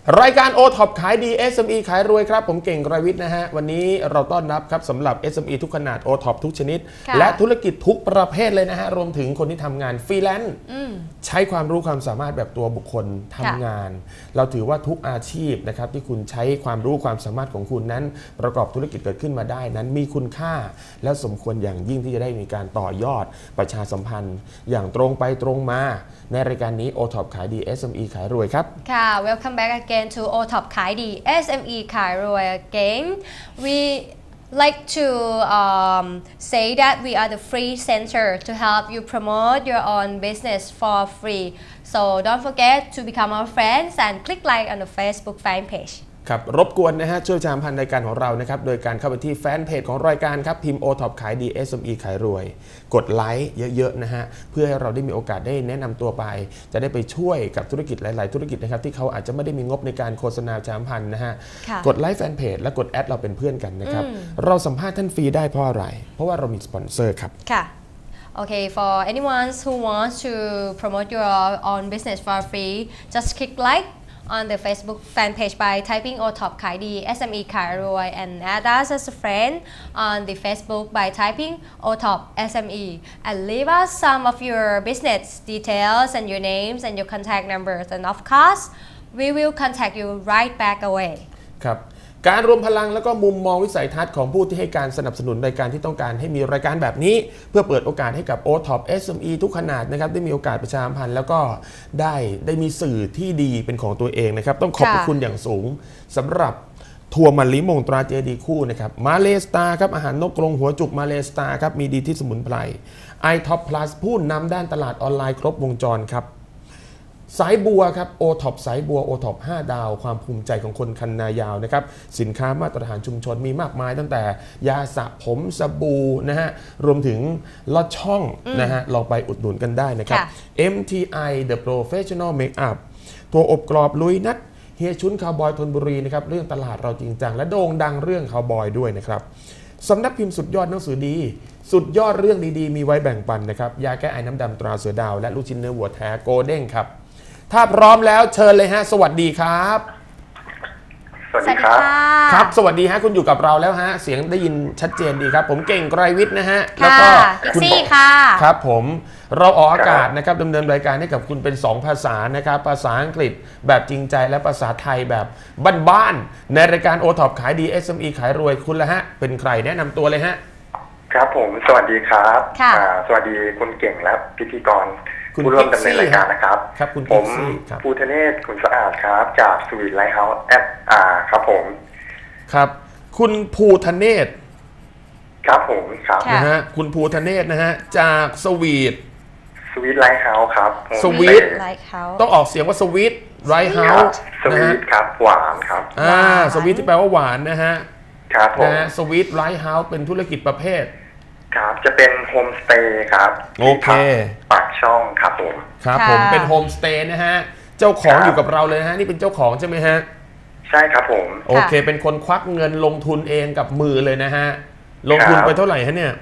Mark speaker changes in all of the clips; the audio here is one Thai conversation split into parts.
Speaker 1: รายการ O-Top ขายดี SME ขายรวยครับผมเก่งกรวิทย์นะฮะวันนี้เราต้อนรับครับสำหรับ SME ทุกขนาด O-Top ทุกชนิดและธุรกิจทุกประเภทเลยนะฮะรวมถึงคนที่ทำงานฟรีแลนซ์ใช้ความรู้ความสามารถแบบตัวบุคคลทำงานเราถือว่าทุกอาชีพนะครับที่คุณใช้ความรู้ความสามารถของคุณนั้นประกอบธุรกิจเกิดขึ้นมาได้นั้นมีคุณค่าและสมควรอย่างยิ่งที่จะได้มีการต่อยอดประชาสัมพันธ์อย่างตรงไปตรงมาในรายการนี้ O-Top ขายดี SME ขายรวยครับ
Speaker 2: ค่ะ Welcome back again to O-Top ขายดี SME ขายรวย again we like to say that we are the free center to help you promote your own business for free so don't forget to become our friends and click like on the Facebook fan page
Speaker 1: ครับรบกวนนะฮะช่วยประชาสัมพันธ์รายการของเรานะครับโดยการเข้าไปที่แฟนเพจของรายการครับพิมพ์ O-Top ขายดี SME ขายรวยกดไลค์เยอะๆนะฮะเพื่อให้เราได้มีโอกาสได้แนะนำตัวไปจะได้ไปช่วยกับธุรกิจหลายๆธุรกิจนะครับที่เขาอาจจะไม่ได้มีงบในการโฆษณาประชาสัมพันธ์นะฮะกดไลค์แฟนเพจและกดแอดเราเป็นเพื่อนกันนะครับเราสัมภาษณ์ท่านฟรีได้เพราะอะไรเพราะว่าเรามีสปอนเซอร์ครับ
Speaker 2: ค่ะ Okay, for anyone who wants to promote your own business for free, just click like on the Facebook fan page by typing O-Top ขายดี SME ขายรวย and add us as a friend on the Facebook by typing O-Top SME and leave us some of your business details and your names and your contact numbers and of course we will contact you right back away
Speaker 1: ครับการรวมพลังแล้วก็มุมมองวิสัยทัศน์ของผู้ที่ให้การสนับสนุนรายการที่ต้องการให้มีรายการแบบนี้เพื่อเปิดโอกาสให้กับ O-Top SME ทุกขนาดนะครับได้มีโอกาสประชาสัมพันธ์แล้วก็ได้มีสื่อที่ดีเป็นของตัวเองนะครับต้องขอบคุณอย่างสูงสำหรับทัวร์มะลิมงตราเจดีคู่นะครับมาเลสตาครับอาหารนกกรงหัวจุกมาเลสตาครับมีดีที่สมุนไพร iTop Plus ผู้นำด้านตลาดออนไลน์ครบวงจรครับสายบัวครับ O-Top สายบัว O-Top 5 ดาวความภูมิใจของคนคันนายาวนะครับสินค้ามาตรฐานชุมชนมีมากมายตั้งแต่ยาสระผมสบู่นะฮะรวมถึงลอดช่องนะฮะลองไปอุดหนุนกันได้นะครับ MTI The Professional Makeup ตัวอบกรอบลุยนัดเฮียชุนคาวบอยธนบุรีนะครับเรื่องตลาดเราจริงจังและโด่งดังเรื่องคาวบอยด้วยนะครับสำนักพิมพ์สุดยอดหนังสือดีสุดยอดเรื่องดีๆมีไว้แบ่งปันนะครับยาแก้ไอน้ำดำตราเสือดาวและลูกชิ้นเนื้อวัวแท้โกลเด้งครับถ้าพร้อมแล้วเชิญเลยฮะสวัสดีครับ
Speaker 3: สวัสดีครับ
Speaker 1: ครับสวัสดีฮะคุณอยู่กับเราแล้วฮะเสียงได้ยินชัดเจนดีครับผมเก่งไกรวิทย์นะฮะแล้วก็
Speaker 2: คุณซี่ค่ะ
Speaker 1: ครับผมเราออกอากาศนะครับดำเนินรายการให้กับคุณเป็น2ภาษานะครับภาษาอังกฤษแบบจริงใจและภาษาไทยแบบบ้านๆในรายการ O-Top ขายดี SME ขายรวยคุณละฮะเป็นใครแนะนำตัวเลยฮะ
Speaker 3: ครับผมสวัสดีครับสวัสดีคุณเก่งและพิธีกรผู้ร่วมดำเนินรายการนะครับผมภูธเนศขุนสะอาดครับจากสวีทไลท์เฮาส์ครับผม
Speaker 1: ครับคุณภูธเนศ
Speaker 3: ครับผมครับ
Speaker 1: นะฮะคุณภูธเนศนะฮะจากสวีท
Speaker 3: ไลท์เฮาส์ครับ
Speaker 1: สวีทต้องออกเสียงว่าสวีทไลท์เฮาส์
Speaker 3: สวีทครับหวานครับ
Speaker 1: สวีทที่แปลว่าหวานนะฮะ
Speaker 3: ครับผมนะ
Speaker 1: สวีทไลท์เฮาส์เป็นธุรกิจประเภท
Speaker 3: ครับจะเป็นโฮมสเตย์ครับ
Speaker 1: โอเค
Speaker 3: ปากช่องครับผม
Speaker 1: ครับผมเป็นโฮมสเตย์นะฮะเจ้าของอยู่กับเราเลยนะฮะนี่เป็นเจ้าของใช่ไหมฮะ
Speaker 3: ใช่ครับผม
Speaker 1: โอเคเป็นคนควักเงินลงทุนเองกับมือเลยนะฮะลงทุนไปเท่าไหร่ฮะเนี่ย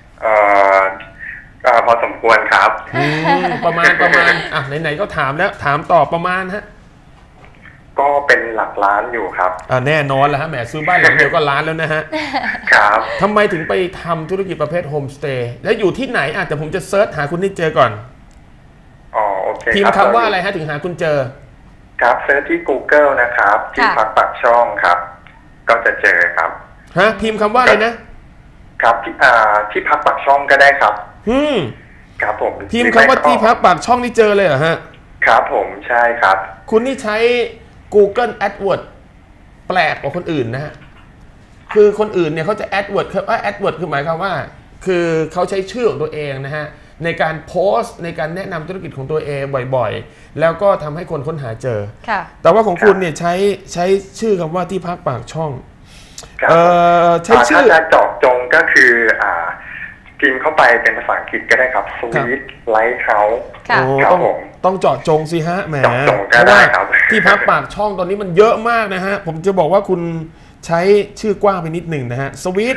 Speaker 3: พอสมควรครับ
Speaker 1: ประมาณอ่ะไหนๆก็ถามแล้วถามต่อประมาณฮะ
Speaker 3: ก็เป็นหลักล้านอยู่ครับ
Speaker 1: แน่นอนแล้วฮะแหมซื้อบ้านหลังเดียวก็ล้านแล้วนะฮะ
Speaker 3: ครับ
Speaker 1: ทำไมถึงไปทำธุรกิจประเภทโฮมสเตย์และอยู่ที่ไหนแต่ผมจะเซิร์ชหาคุณให้เจอก่อน
Speaker 3: โอเค
Speaker 1: พิมพ์คำว่าอะไรฮะถึงหาคุณเจอ
Speaker 3: ครับเซิร์ชที่ Google นะครับที่พักปากช่องครับก็จะเจอครับ
Speaker 1: ฮะพิมพ์คำว่าอะไรนะครับ
Speaker 3: ที่พักปากช่องก็ได้ครับครับผม
Speaker 1: พิมพ์คำว่าที่พักปากช่องนี่เจอเลยเหรอฮะ
Speaker 3: ครับผมใช่ครับ
Speaker 1: คุณนี่ใช้Google AdWords แปลกกว่าคนอื่นนะฮะคือคนอื่นเนี่ยเขาจะ AdWords คือหมายความว่าคือเขาใช้ชื่อของตัวเองนะฮะในการโพสต์ในการแนะนำธุรกิจของตัวเองบ่อยๆแล้วก็ทำให้คนค้นหาเจอแต่ว่าของคุณเนี่ยใช้ชื่อคำว่าที่พักปากช่อง
Speaker 3: ใช้ชื่อถ้าจะเจาะจงก็คือพิมพ์เข้าไปเป็นภาษาอังกฤษก็ได้ครับ Sweet Lighthouse
Speaker 1: ต้องเจาะจงสิฮะแหมเพราะว่าที่พักปากช่องตอนนี้มันเยอะมากนะฮะผมจะบอกว่าคุณใช้ชื่อกว้างไปนิดหนึ่งนะฮะ Sweet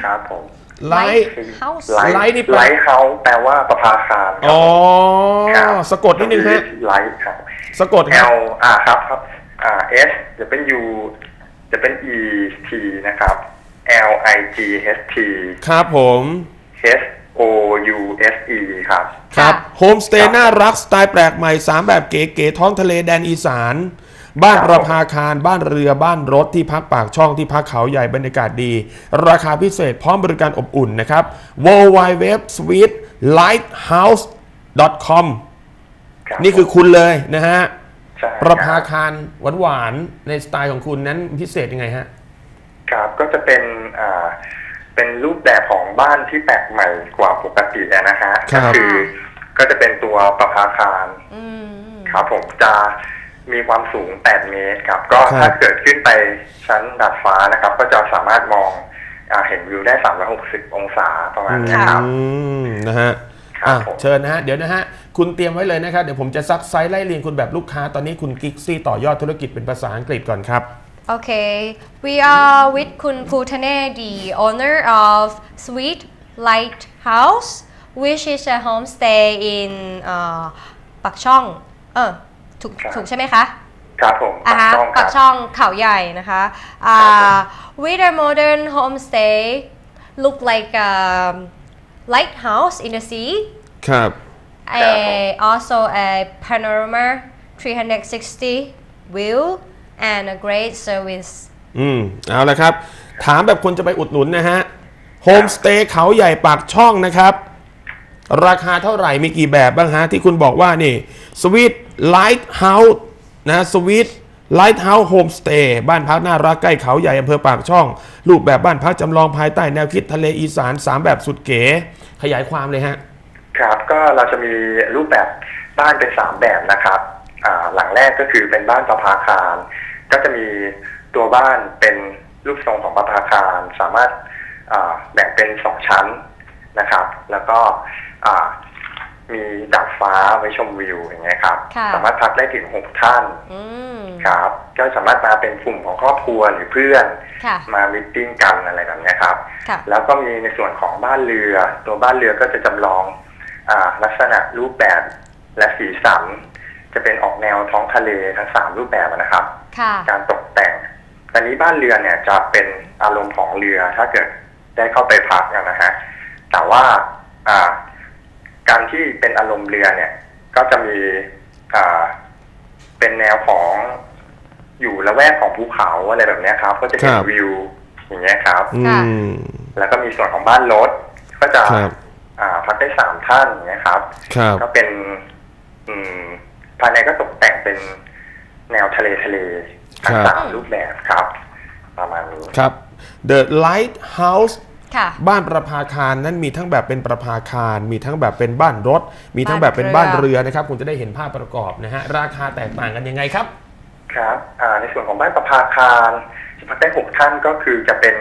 Speaker 3: Lighthouse นี่ไลท์เฮาส์แปลว่าประภาคาร
Speaker 1: สะกดนิดนึงฮะ
Speaker 3: ไลท์ครับ
Speaker 1: สะกด
Speaker 3: L ครับ S จะเป็น U จะเป็น E T นะครับ L I G H T
Speaker 1: ครับผม
Speaker 3: H O U S E ครับ
Speaker 1: ครับโฮมสเตย์น่ารักสไตล์แปลกใหม่3แบบเก๋ๆท้องทะเลแดนอีสานบ้านประภาคารบ้านเรือบ้านรถที่พักปากช่องที่พักเขาใหญ่บรรยากาศดีราคาพิเศษพร้อมบริการอบอุ่นนะครับ www.sweetlighthouse.com นี่คือคุณเลยนะฮะประภาคารหวานๆในสไตล์ของคุณนั้นพิเศษยังไงฮะ
Speaker 3: ครับก็จะเป็นรูปแบบของบ้านที่แปลกใหม่กว่าปกตินะฮะก็คือก็จะเป็นตัวประภาคารครับผมจะมีความสูง8 เมตรครับก็ถ้าเกิดขึ้นไปชั้นดาดฟ้านะครับก็จะสามารถมองเห็นวิวได้360 องศาประมาณนี้ครับ
Speaker 1: นะฮะเชิญนะฮะเดี๋ยวนะฮะคุณเตรียมไว้เลยนะครับเดี๋ยวผมจะซักไซส์ไล่เรียงคุณแบบลูกค้าตอนนี้คุณกิ๊กซี่ต่อยอดธุรกิจเป็นภาษาอังกฤษก่อนครับ
Speaker 2: Okay, we are with Kun Putane, the owner of Sweet Lighthouse, which is a homestay in ปักช่องถูกใช่ไหมคะ
Speaker 3: ครับผม
Speaker 2: ปักช่องเขาใหญ่นะคะ with a modern homestay look like a lighthouse in the sea
Speaker 1: ครับ
Speaker 2: also a panorama 360 view and a great service
Speaker 1: เอาละครับถามแบบคนจะไปอุดหนุนนะฮะโฮมสเตย์เขาใหญ่ปากช่องนะครับราคาเท่าไหร่มีกี่แบบบ้างฮะที่คุณบอกว่านี่ Sweet Lighthouse นะ Sweet Lighthouse Homestay บ้านพักน่ารักใกล้เขาใหญ่อำเภอปากช่องรูปแบบบ้านพักจำลองภายใต้แนวคิดทะเลอีสาน3แบบสุดเก๋ขยายความเลยฮะ
Speaker 3: ครับก็เราจะมีรูปแบบบ้านเป็น3แบบนะครับหลังแรกก็คือเป็นบ้านประภาคารก็จะมีตัวบ้านเป็นรูปทรงของประภาคารสามารถแบ่งเป็น2ชั้นนะครับแล้วก็มีดาดฟ้าไว้ชมวิวอย่างเงี้ยครับสามารถพักได้ถึง6 ท่านครับก็สามารถมาเป็นกลุ่มของครอบครัวหรือเพื่อนมามิทติ้งกันอะไรแบบนี้ครับแล้วก็มีในส่วนของบ้านเรือตัวบ้านเรือก็จะจำลองลักษณะรูปแบบและสีสันจะเป็นออกแนวท้องทะเลทั้ง3รูปแบบนะครับการตกแต่งตอนนี้บ้านเรือเนี่ยจะเป็นอารมณ์ของเรือถ้าเกิดได้เข้าไปพักนะฮะแต่ว่าการที่เป็นอารมณ์เรือเนี่ยก็จะมีเป็นแนวของอยู่ละแวกของภูเขาอะไรแบบนี้ครับก็จะเห็นวิวอย่างเงี้ยครับแล้วก็มีส่วนของบ้านรถก็จะพักได้3 ท่านอย่างเงี้ยครับก็เป็นภายในก็ตกแต่งเป็นแนวทะเลทั้ง3รูปแบบครับประมาณนี้
Speaker 1: ครับ The Lighthouse บ้านประภาคารนั้นมีทั้งแบบเป็นประภาคารมีทั้งแบบเป็นบ้านรถมีทั้งแบบเป็นบ้านเรือนะครับคุณจะได้เห็นภาพประกอบนะฮะราคาแตกต่างกันยังไงครับ
Speaker 3: ครับในส่วนของบ้านประภาคารจะพักได้6 ท่านก็คือจะเป็น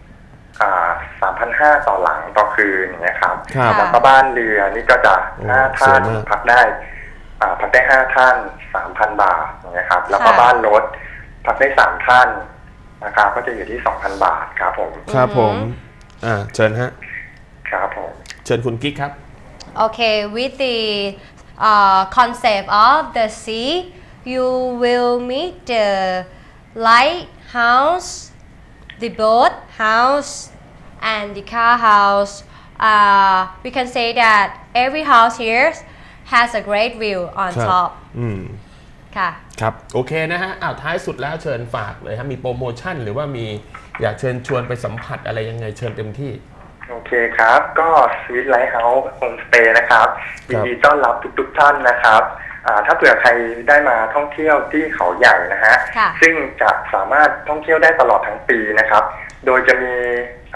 Speaker 3: 3,500 ต่อหลังต่อคืนนะครับแล้วก็บ้านเรือนี่ก็จะ5 ท่านพักได้5 ท่าน 3,000 บาทนะครับแล้วก็บ้านรถพักได้3 ท่านนะครับก็จะอยู่ที่ 2,000 บาทครับผม
Speaker 1: ครับผมเชิญฮะ
Speaker 3: ครับผม
Speaker 1: เชิญคุณกิ๊กครับ
Speaker 2: Okay with the concept of the sea you will meet the lighthouse the boat house and the car house we can say that every house here has a great view on top ค่ะ
Speaker 1: ครับโอเคนะฮะท้ายสุดแล้วเชิญฝากเลยครับมีโปรโมชั่นหรือว่ามีอยากเชิญชวนไปสัมผัสอะไรยังไงเชิญเต็มที่
Speaker 3: โอเคครับก็ Sweet Lighthouse Homestay นะครับยินดีต้อนรับทุกท่านนะครับถ้าเผื่อใครได้มาท่องเที่ยวที่เขาใหญ่นะฮะซึ่งจะสามารถท่องเที่ยวได้ตลอดทั้งปีนะครับโดยจะมี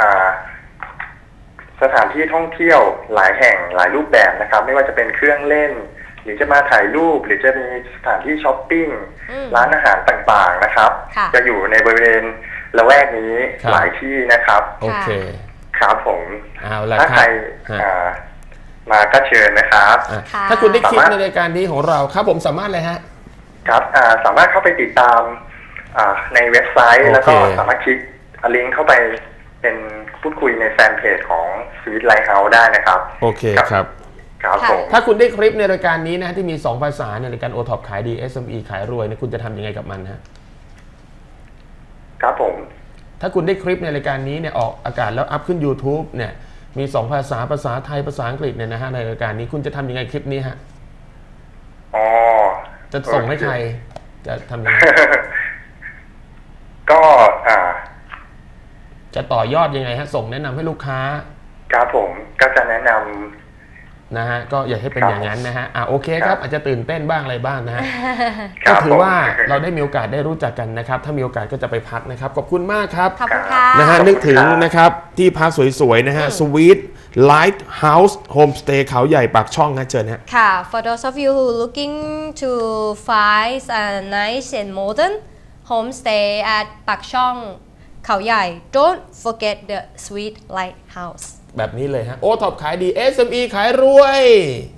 Speaker 3: สถานที่ท่องเที่ยวหลายแห่งหลายรูปแบบนะครับไม่ว่าจะเป็นเครื่องเล่นหรือจะมาถ่ายรูปหรือจะมีสถานที่ช้อปปิ้งร้านอาหารต่างๆนะครับจะอยู่ในบริเวณละแวกนี้หลายที่นะครับ
Speaker 1: โอเค
Speaker 3: ครับผม
Speaker 1: ถ้า
Speaker 3: ใครมาก็เชิญนะครับ
Speaker 1: ถ้าคุณได้คลิปในรายการนี้ของเราครับผมสามารถเลยฮะ
Speaker 3: ครับสามารถเข้าไปติดตามในเว็บไซต์แล้วก็สามารถคลิกลิงก์เข้าไปเป็นพูดคุยในแฟนเพจของ Sweet Lighthouse ได้นะครับ
Speaker 1: โอเคครับ
Speaker 3: ครับผม
Speaker 1: ถ้าคุณได้คลิปในรายการนี้นะที่มี2ภาษาในรายการ OTOP ขายดี SME ขายรวยเนี่ยคุณจะทำยังไงกับมันฮะ
Speaker 3: ครับผม
Speaker 1: ถ้าคุณได้คลิปในรายการนี้เนี่ยออกอากาศแล้วอัพขึ้น YouTube เนี่ยมี2ภาษาภาษาไทยภาษาอังกฤษเนี่ยนะฮะในรายการนี้คุณจะทำยังไงคลิปนี้ฮะจะส่งให้ใครจะทำยังไง
Speaker 3: ก็
Speaker 1: จะต่อยอดยังไงฮะส่งแนะนำให้ลูกค้า
Speaker 3: ครับผมก็จะแนะนำ
Speaker 1: นะฮะก็อย่าให้เป็นอย่างนั้นนะฮะโอเคครับอาจจะตื่นเต้นบ้างอะไรบ้างนะฮะก็ถือว่าเราได้มีโอกาสได้รู้จักกันนะครับถ้ามีโอกาสก็จะไปพักนะครับขอบคุณมากครับ
Speaker 2: ขอบคุณค่ะ
Speaker 1: นะฮะนึกถึงนะครับที่พักสวยๆนะฮะ Sweet Lighthouse Homestay เขาใหญ่ปากช่องนะเชิญฮะ
Speaker 2: ค่ะ For those of you who looking to find a nice and modern homestay at ปากช่องเขาใหญ่ Don't forget the Sweet Lighthouse
Speaker 1: แบบนี้เลยฮะ OTOP ขายดี SME ขายรวย